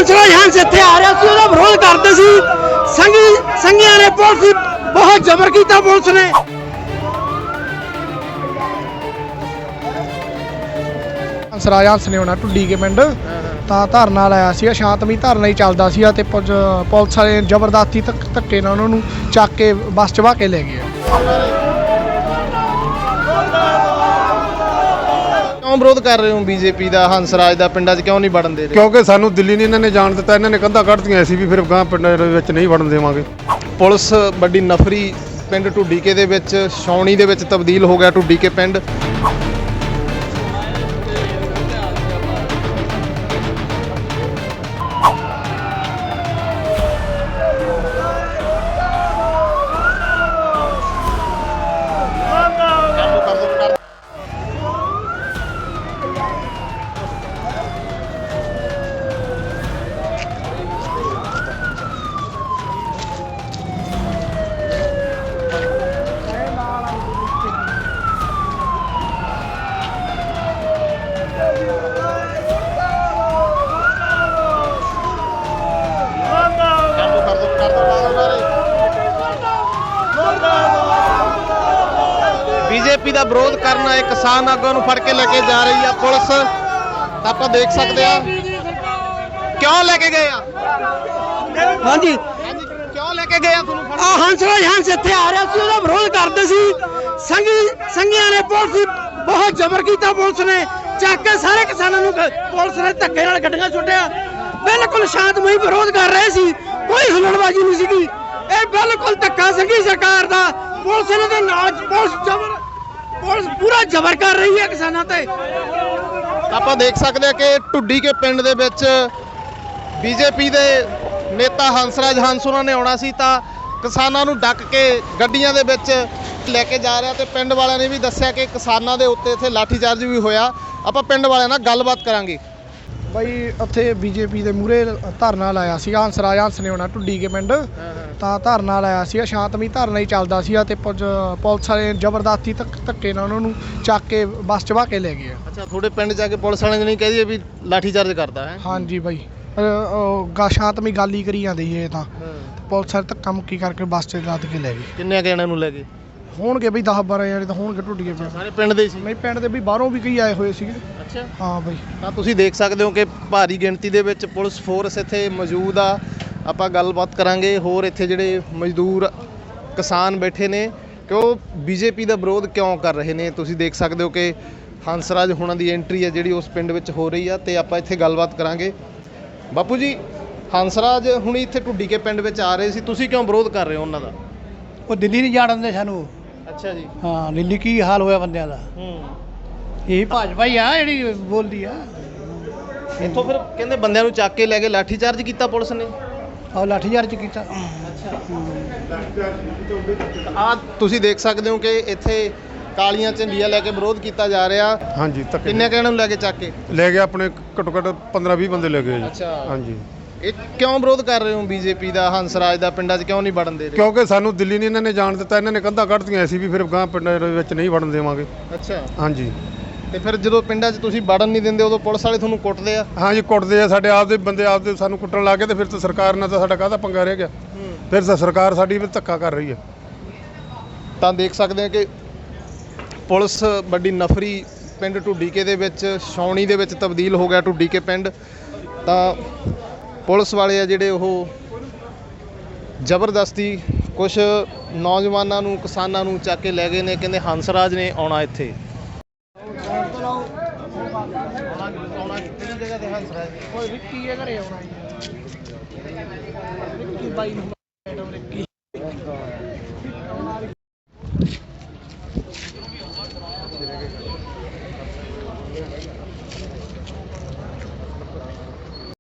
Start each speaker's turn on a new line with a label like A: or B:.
A: ਹੰਸਰਾਜ ਹੰਸ ਇੱਥੇ ਆ ਰਿਹਾ ਸੀ, ਉਹਦਾ ਵਿਰੋਧ ਕਰਦੇ ਸੀ। ਸੰਘੀਆਂ ਨੇ ਪੁਲਿਸ ਬਹੁਤ ਜ਼ਬਰ ਕੀਤਾ। ਪੁਲਿਸ ਨੇ
B: ਹੰਸਰਾਜ ਹੰਸ ਨੇ ਆਉਣਾ ਢੁੱਡੀ ਕੇ ਪਿੰਡ ਤਾਂ ਧਰਨਾ ਲਾਇਆ ਸੀਗਾ। ਸ਼ਾਂਤਮਈ ਧਰਨਾ ਹੀ ਚੱਲਦਾ ਸੀਗਾ ਤੇ ਪੁਲਿਸ ਵਾਲੇ ਜ਼ਬਰਦਸਤੀ ਧੱਕੇ ਨਾਲ ਉਹਨਾਂ ਨੂੰ ਚੱਕ ਕੇ ਬੱਸ 'ਚ ਵਹਾ ਕੇ ਲੈ ਗਏ।
C: ਕਿਉਂ ਵਿਰੋਧ ਕਰ ਰਹੇ ਹੋ ਬੀਜੇਪੀ ਦਾ, ਹੰਸਰਾਜ ਦਾ ਪਿੰਡਾਂ 'ਚ ਕਿਉਂ ਨਹੀਂ ਵੜਨ ਦੇ ਰਹੇ?
D: ਕਿਉਂਕਿ ਸਾਨੂੰ ਦਿੱਲੀ ਨਹੀਂ ਇਹਨਾਂ ਨੇ ਜਾਣ ਦਿੱਤਾ। ਇਹਨਾਂ ਨੇ ਕੰਧਾਂ ਕੱਢਤੀਆਂ ਸੀ ਵੀ ਫਿਰ ਗਾਂ ਪਿੰਡਾਂ ਦੇ ਵਿੱਚ ਨਹੀਂ ਵੜਨ ਦੇਵਾਂਗੇ।
C: ਪੁਲਿਸ ਵੱਡੀ ਨਫਰੀ ਪਿੰਡ ਢੁੱਡੀਕੇ ਦੇ ਵਿੱਚ ਛਾਉਣੀ ਦੇ ਵਿੱਚ ਤਬਦੀਲ ਹੋ ਗਿਆ ਢੁੱਡੀਕੇ ਪਿੰਡ। ਬੀਜੇਪੀ ਦਾ ਵਿਰੋਧ ਕਰਨ ਆਏ ਕਿਸਾਨ ਆਗੂਆਂ ਨੂੰ ਫੜ ਕੇ ਲੈ ਕੇ ਜਾ ਰਹੀ ਆ ਪੁਲਿਸ। ਤਾਂ ਆਪਾਂ ਦੇਖ ਸਕਦੇ ਆ ਕਿਉਂ ਲੈ ਕੇ ਗਏ ਆ।
A: ਹਾਂਜੀ
C: ਕਿਉਂ ਲੈ ਕੇ ਗਏ ਆ ਤੁਹਾਨੂੰ ਫੜ?
A: ਹੰਸਰਾਜ ਹੰਸ ਇੱਥੇ ਆ ਰਿਹਾ ਸੀ, ਉਹਦਾ ਵਿਰੋਧ ਕਰਦੇ ਸੀ। ਸੰਘੀਆਂ ਨੇ ਪੁਲਿਸ ਬਹੁਤ ਜ਼ਬਰ ਕੀਤਾ। ਪੁਲਿਸ ਨੇ ਚੱਕ ਕੇ ਸਾਰੇ ਕਿਸਾਨਾਂ ਨੂੰ ਪੁਲਿਸ ਨੇ ਧੱਕੇ ਨਾਲ ਗੱਡੀਆਂ ਸੁੱਟਿਆ। ਬਿਲਕੁਲ ਸ਼ਾਂਤਮਈ ਵਿਰੋਧ ਕਰ ਰਹੇ ਸੀ, ਕੋਈ ਹੁਲੜਬਾਜ਼ੀ ਨਹੀਂ ਸੀਗੀ। ਇਹ ਬਿਲਕੁਲ ਧੱਕਾ ਸੰਘੀ ਸਰਕਾਰ ਦਾ। ਪੁਲਿਸ ਇਹਨਾਂ ਦੇ ਨਾਲ ਪੁਲਿਸ ਪੂਰਾ ਜ਼ਬਰ ਕਰ ਰਹੀ ਹੈ ਕਿਸਾਨਾਂ ਤੇ।
C: ਆਪਾਂ ਦੇਖ ਸਕਦੇ ਆ ਕਿ ਢੁੱਡੀਕੇ ਪਿੰਡ ਦੇ ਵਿੱਚ ਬੀਜੇਪੀ ਦੇ ਨੇਤਾ ਹੰਸਰਾਜ ਹੰਸ ਉਹਨਾਂ ਨੇ ਆਉਣਾ ਸੀ ਤਾਂ ਕਿਸਾਨਾਂ ਨੂੰ ਡੱਕ ਕੇ ਗੱਡੀਆਂ ਦੇ ਵਿੱਚ ਲੈ ਕੇ ਜਾ ਰਿਹਾ। ਤੇ ਪਿੰਡ ਵਾਲਿਆਂ ਨੇ ਵੀ ਦੱਸਿਆ ਕਿ ਕਿਸਾਨਾਂ ਦੇ ਉੱਤੇ ਇੱਥੇ ਲਾਠੀਚਾਰਜ ਵੀ ਹੋਇਆ। ਆਪਾਂ ਪਿੰਡ ਵਾਲਿਆਂ ਨਾਲ ਗੱਲਬਾਤ ਕਰਾਂਗੇ।
B: ਬਾਈ ਉੱਥੇ ਬੀਜੇਪੀ ਦੇ ਮੂਹਰੇ ਧਰਨਾ ਲਾਇਆ ਸੀਗਾ। ਹੰਸਰਾਜ ਹੰਸ ਨੇ ਆਉਣਾ ਢੁੱਡੀ ਕੇ ਪਿੰਡ ਤਾਂ ਧਰਨਾ ਲਾਇਆ ਸੀਗਾ। ਸ਼ਾਂਤਮਈ ਧਰਨਾ ਹੀ ਚੱਲਦਾ ਸੀਗਾ ਤੇ ਪੁਲਿਸ ਵਾਲੇ ਜ਼ਬਰਦਸਤੀ ਧੱਕੇ ਨਾਲ ਉਹਨਾਂ ਨੂੰ ਚੱਕ ਕੇ ਬੱਸ 'ਚ ਵਹਾ ਕੇ ਲੈ ਗਏ।
C: ਅੱਛਾ, ਤੁਹਾਡੇ ਪਿੰਡ ਜਾ ਕੇ ਪੁਲਿਸ ਵਾਲਿਆਂ ਨੇ ਨਹੀਂ ਕਹਿ ਦਈਏ ਵੀ ਲਾਠੀਚਾਰਜ ਕਰਦਾ ਹੈ?
B: ਹਾਂਜੀ ਬਾਈ, ਸ਼ਾਂਤਮਈ ਗੱਲ ਹੀ ਕਰੀ ਜਾਂਦੇ ਸੀ ਇਹ ਤਾਂ। ਪੁਲਿਸ ਵਾਲੇ ਧੱਕਾ ਮੁੱਕੀ ਕਰਕੇ ਬੱਸ 'ਚ ਲੱਦ ਕੇ ਲੈ ਗਏ।
C: ਕਿੰਨੇ ਜਣਿਆਂ ਨੂੰ ਲੈ ਗਏ
B: ਹੋਣਗੇ ਬਈ 10-12 ਜਣੇ ਤਾਂ ਹੋਣਗੇ ਢੁੱਡੀਕੇ ਪਿੰਡ।
C: ਸਾਰੇ ਪਿੰਡ ਦੇ ਸੀ?
B: ਨਹੀਂ, ਪਿੰਡ ਦੇ ਵੀ ਬਾਹਰੋਂ ਵੀ ਕਈ ਆਏ ਹੋਏ ਸੀਗੇ।
C: ਅੱਛਾ,
B: ਹਾਂ ਬਾਈ।
C: ਤਾਂ ਤੁਸੀਂ ਦੇਖ ਸਕਦੇ ਹੋ ਕਿ ਭਾਰੀ ਗਿਣਤੀ ਦੇ ਵਿੱਚ ਪੁਲਿਸ ਫੋਰਸ ਇੱਥੇ ਮੌਜੂਦ ਆ। ਆਪਾਂ ਗੱਲਬਾਤ ਕਰਾਂਗੇ ਹੋਰ ਇੱਥੇ ਜਿਹੜੇ ਮਜ਼ਦੂਰ ਕਿਸਾਨ ਬੈਠੇ ਨੇ ਕਿ ਉਹ ਬੀਜੇਪੀ ਦਾ ਵਿਰੋਧ ਕਿਉਂ ਕਰ ਰਹੇ ਨੇ। ਤੁਸੀਂ ਦੇਖ ਸਕਦੇ ਹੋ ਕਿ ਹੰਸਰਾਜ ਹੁਣਾਂ ਦੀ ਐਂਟਰੀ ਹੈ ਜਿਹੜੀ ਉਸ ਪਿੰਡ ਵਿੱਚ ਹੋ ਰਹੀ ਆ ਤੇ ਆਪਾਂ ਇੱਥੇ ਗੱਲਬਾਤ ਕਰਾਂਗੇ। ਬਾਪੂ ਜੀ, ਹੰਸਰਾਜ ਹੁਣੀ ਇੱਥੇ ਢੁੱਡੀਕੇ ਪਿੰਡ ਵਿੱਚ ਆ ਰਹੇ ਸੀ, ਤੁਸੀਂ ਕਿਉਂ ਵਿਰੋਧ ਕਰ ਰਹੇ ਹੋ ਉਹਨਾਂ ਦਾ?
A: ਉਹ ਦਿੱਲੀ ਨਹੀਂ ਜਾਣ ਦਿੰਦੇ ਸਾਨੂੰ।
C: ਅੱਛਾ ਜੀ।
A: ਹਾਂ, ਦਿੱਲੀ ਕੀ ਹਾਲ ਹੋਇਆ ਬੰਦਿਆਂ ਦਾ। ਇਹ ਭਾਜਪਾ ਹੀ ਆ ਜਿਹੜੀ ਬੋਲਦੀ ਆ।
C: ਇੱਥੋਂ ਫਿਰ ਕਹਿੰਦੇ ਬੰਦਿਆਂ ਨੂੰ ਚੱਕ ਕੇ ਲੈ ਕੇ ਲਾਠੀਚਾਰਜ ਕੀਤਾ ਪੁਲਿਸ ਨੇ।
A: ਆਹ ਲਾਠੀਚਾਰਜ ਕੀਤਾ।
C: ਆ ਤੁਸੀਂ ਦੇਖ ਸਕਦੇ ਹੋ ਕਿ ਇੱਥੇ ਕਾਲੀਆਂ ਝੰਡੀਆਂ ਲੈ ਕੇ ਵਿਰੋਧ ਕੀਤਾ ਜਾ ਰਿਹਾ।
D: ਹਾਂਜੀ, ਧੱਕੇ
C: ਕਿੰਨੇ ਕਹਿਣ ਨੂੰ ਲੈ ਕੇ ਚੱਕ ਕੇ
D: ਲੈ ਗਏ ਆਪਣੇ ਘੱਟੋ ਘੱਟ 15-20 ਬੰਦੇ ਲੈ ਗਏ ਜੀ।
C: ਅੱਛਾ।
D: ਹਾਂਜੀ,
C: ਇਹ ਕਿਉਂ ਵਿਰੋਧ ਕਰ ਰਹੇ ਹੋ ਬੀਜੇਪੀ ਦਾ, ਹੰਸਰਾਜ ਦਾ ਪਿੰਡਾਂ 'ਚ ਕਿਉਂ ਨਹੀਂ ਵੜਨ ਦੇ ਰਹੇ?
D: ਕਿਉਂਕਿ ਸਾਨੂੰ ਦਿੱਲੀ ਨਹੀਂ ਇਹਨਾਂ ਨੇ ਜਾਣ ਦਿੱਤਾ। ਇਹਨਾਂ ਨੇ ਕੰਧਾਂ ਕੱਢਤੀਆਂ ਸੀ ਵੀ ਫਿਰ ਗਾਂ ਪਿੰਡਾਂ ਦੇ ਵਿੱਚ ਨਹੀਂ ਵੜਨ ਦੇਵਾਂਗੇ।
C: ਅੱਛਾ,
D: ਹਾਂਜੀ।
C: ਤੇ ਫਿਰ ਜਦੋਂ ਪਿੰਡਾਂ 'ਚ ਤੁਸੀਂ ਵੜਨ ਨਹੀਂ ਦਿੰਦੇ ਉਦੋਂ ਪੁਲਿਸ ਵਾਲੇ ਤੁਹਾਨੂੰ ਕੁੱਟਦੇ ਆ?
D: ਹਾਂਜੀ, ਕੁੱਟਦੇ ਆ। ਸਾਡੇ ਆਪਦੇ ਬੰਦੇ ਆਪਦੇ ਸਾਨੂੰ ਕੁੱਟਣ ਲੱਗ ਗਏ ਤੇ ਫਿਰ ਤਾਂ ਸਰਕਾਰ ਨਾਲ ਤਾਂ ਸਾਡਾ ਕਾਹਦਾ ਪੰਗਾ ਰਹਿ ਗਿਆ। ਫਿਰ ਤਾਂ ਸਰਕਾਰ ਸਾਡੀ ਵੀ ਧੱਕਾ ਕਰ ਰਹੀ ਹੈ।
C: ਤਾਂ ਦੇਖ ਸਕਦੇ ਆ ਕਿ ਪੁਲਿਸ ਵੱਡੀ ਨਫਰੀ ਪਿੰਡ ਢੁੱਡੀਕੇ ਦੇ ਵਿੱਚ ਛਾਉਣੀ ਦੇ ਵਿੱਚ ਤਬਦੀਲ ਹੋ ਗਿਆ ਢੁੱਡੀਕੇ ਪਿੰਡ। ਤਾਂ ਪੁਲਿਸ ਵਾਲੇ ਆ ਜਿਹੜੇ ਉਹ ਜ਼ਬਰਦਸਤੀ ਕੁਝ ਨੌਜਵਾਨਾਂ ਨੂੰ ਕਿਸਾਨਾਂ ਨੂੰ ਚੱਕ ਕੇ ਲੈ ਗਏ ਨੇ। ਕਹਿੰਦੇ ਹੰਸਰਾਜ ਨੇ ਆਉਣਾ ਇੱਥੇ।